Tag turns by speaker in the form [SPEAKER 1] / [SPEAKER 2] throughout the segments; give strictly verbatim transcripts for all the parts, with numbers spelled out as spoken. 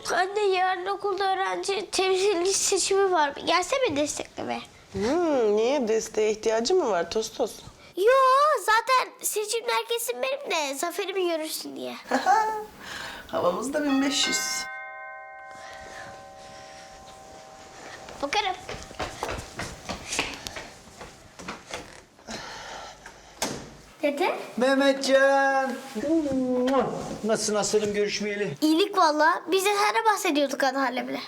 [SPEAKER 1] Anne yarın okulda öğrenci temsilci seçimi var. Gelsene desteklemeye.
[SPEAKER 2] Hmm, niye? Desteğe ihtiyacı mı var Tostos?
[SPEAKER 1] Yo, zaten seçimler kesin benim de zaferimi görürsün diye.
[SPEAKER 2] Havamız da bin beş yüz.
[SPEAKER 1] Bakarım. Dede?
[SPEAKER 3] Mehmetcan. Nasılsın aslanım görüşmeyeli?
[SPEAKER 1] İyilik valla. Biz de sana bahsediyorduk anneannemle.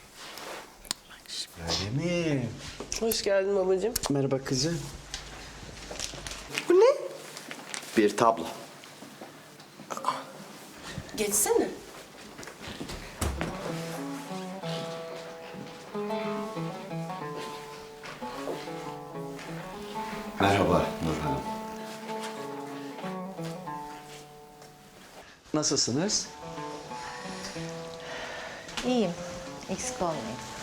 [SPEAKER 3] Öyle mi?
[SPEAKER 2] Hoş geldin babacığım.
[SPEAKER 3] Merhaba kızım.
[SPEAKER 2] Bu ne?
[SPEAKER 3] Bir tablo.
[SPEAKER 2] Geçsene.
[SPEAKER 3] Merhaba Nur Hanım. Nasılsınız?
[SPEAKER 4] İyiyim. Eksik olmayın.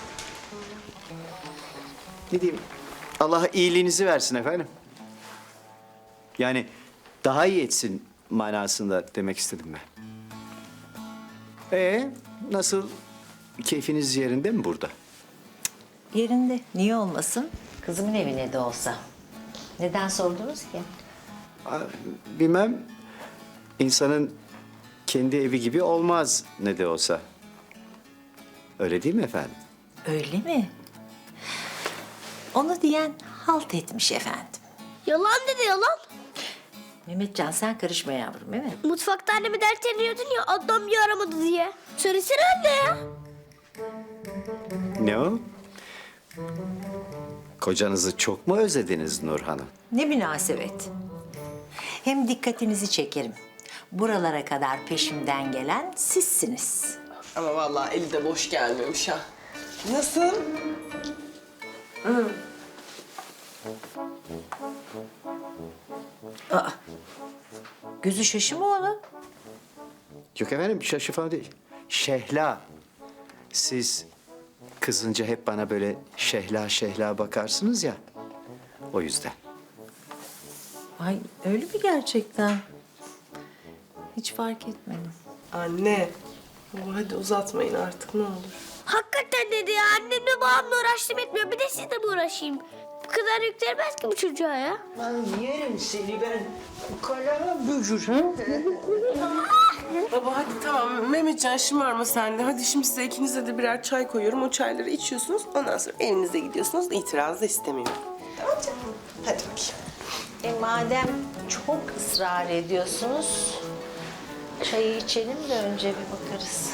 [SPEAKER 3] Ne diyeyim? Allah iyiliğinizi versin efendim. Yani daha iyi etsin manasında demek istedim ben. Ee, nasıl? Keyfiniz yerinde mi burada?
[SPEAKER 4] Yerinde. Niye olmasın? Kızımın evine de olsa. Neden sordunuz ki?
[SPEAKER 3] Aa, bilmem. İnsanın kendi evi gibi olmaz ne de olsa. Öyle değil mi efendim?
[SPEAKER 4] Öyle mi? Onu diyen halt etmiş efendim.
[SPEAKER 1] Yalan dedi yalan.
[SPEAKER 4] Mehmetcan sen karışma yavrum değil mi?
[SPEAKER 1] Mutfakta annemi dertleniyordun ya Adnan bir aramadı diye. Söylesene anne ya.
[SPEAKER 3] Ne o? Kocanızı çok mu özlediniz Nur Hanım?
[SPEAKER 4] Ne münasebet. Hem dikkatinizi çekerim. Buralara kadar peşimden gelen sizsiniz.
[SPEAKER 2] Ama vallahi eli de boş gelmemiş ha. Nasıl?
[SPEAKER 4] Aa, gözü şaşı mı onun?
[SPEAKER 3] Yok efendim şaşı falan değil. Şehla. Siz kızınca hep bana böyle şehla şehla bakarsınız ya. O yüzden.
[SPEAKER 4] Ay öyle mi gerçekten? Hiç fark etmedim.
[SPEAKER 2] Anne. Baba hadi uzatmayın artık ne olur.
[SPEAKER 1] Hakikaten dedi ya annemle babamla uğraştım etmiyor. Bir de sizle mi uğraşayım? Bu kadar yüklenmez ki bu çocuğa ya.
[SPEAKER 3] Ben yerim seni ben. Kalem bücür ha?
[SPEAKER 2] Baba hadi tamam Mehmetcan şımarma sen de. Hadi şimdi size ikinize de birer çay koyuyorum. O çayları içiyorsunuz. Ondan sonra evinize gidiyorsunuz. İtiraz da istemiyorum. Tamam canım. Hadi bakayım.
[SPEAKER 4] E madem çok ısrar ediyorsunuz, çayı içelim de önce bir bakarız.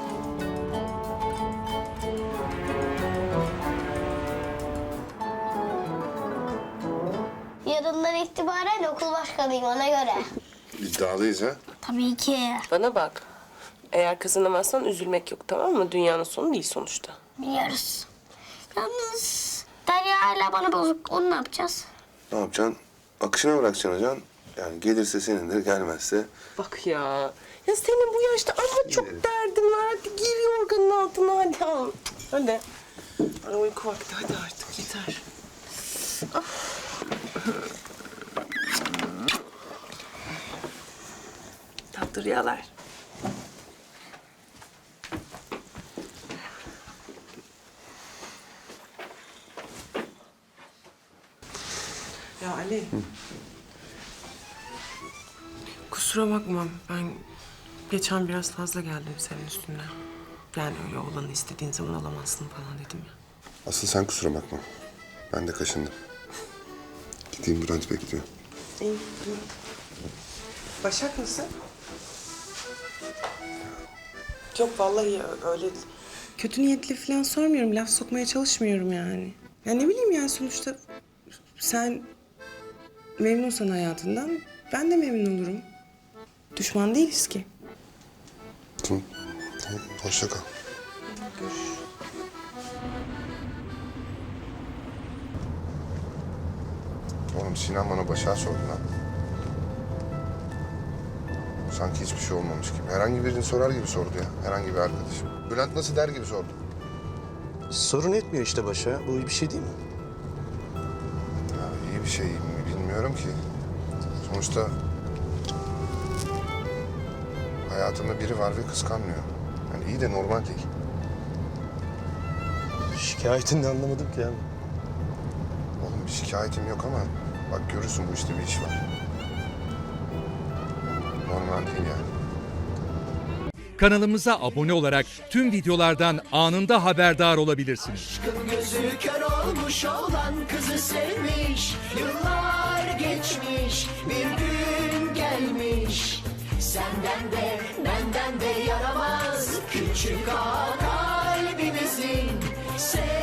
[SPEAKER 1] Yarından itibaren okul başkanıyım ona göre.
[SPEAKER 5] İddialıyız ha.
[SPEAKER 1] Tabii ki.
[SPEAKER 2] Bana bak. Eğer kazanamazsan üzülmek yok tamam mı? Dünyanın sonu değil sonuçta.
[SPEAKER 1] Biliyoruz. Yalnız Derya hala bana bozuk. Onu ne yapacağız?
[SPEAKER 5] Ne yapacaksın? Akışına bırakacaksın hocam. Yani gelirse senindir, gelmezse...
[SPEAKER 2] Bak ya. Ya senin bu yaşta ama çok derdin var. Hadi gir yorganın altına hadi. al. Hadi. Ay, uyku vakti hadi artık yeter. Ah. Tatlı rüyalar. Ya Ali. Kusura bakma ben geçen biraz fazla geldim senin üstüne. Yani öyle oğlanı istediğin zaman alamazsın falan dedim ya.
[SPEAKER 5] Asıl sen kusura bakma. Ben de kaşındım. Gideyim Bülent bekliyor.
[SPEAKER 2] İyi, iyi. Başak nasıl? Yok vallahi öyle kötü niyetli falan sormuyorum. Laf sokmaya çalışmıyorum yani. Ya ne bileyim yani sonuçta sen memnunsan hayatından ben de memnun olurum. Düşman değiliz ki.
[SPEAKER 5] Tamam. Tamam. Hoşça kal.
[SPEAKER 2] Görüşürüz.
[SPEAKER 5] Oğlum Sinan bana Başak'ı sordu lan. Sanki hiçbir şey olmamış gibi. Herhangi birini sorar gibi sordu ya. Herhangi bir arkadaşım. Bülent nasıl der gibi sordu.
[SPEAKER 6] Sorun etmiyor işte başa. Bu iyi bir şey değil mi?
[SPEAKER 5] Ya iyi bir şey mi bilmiyorum ki. Sonuçta hayatımda biri var ve kıskanmıyor. Yani iyi de normal değil.
[SPEAKER 6] Şikayetini de anlamadım ki abi.
[SPEAKER 5] Oğlum bir şikayetim yok ama bak görürsün bu işte bir iş var. Normal değil yani.
[SPEAKER 7] Kanalımıza abone olarak tüm videolardan anında haberdar olabilirsiniz.
[SPEAKER 8] Gözü kör olmuş olan kızı sevmiş. Yıllar geçmiş, bir gün gelmiş. Senden de benden de yaramaz küçük ağa kalbimizin. Sev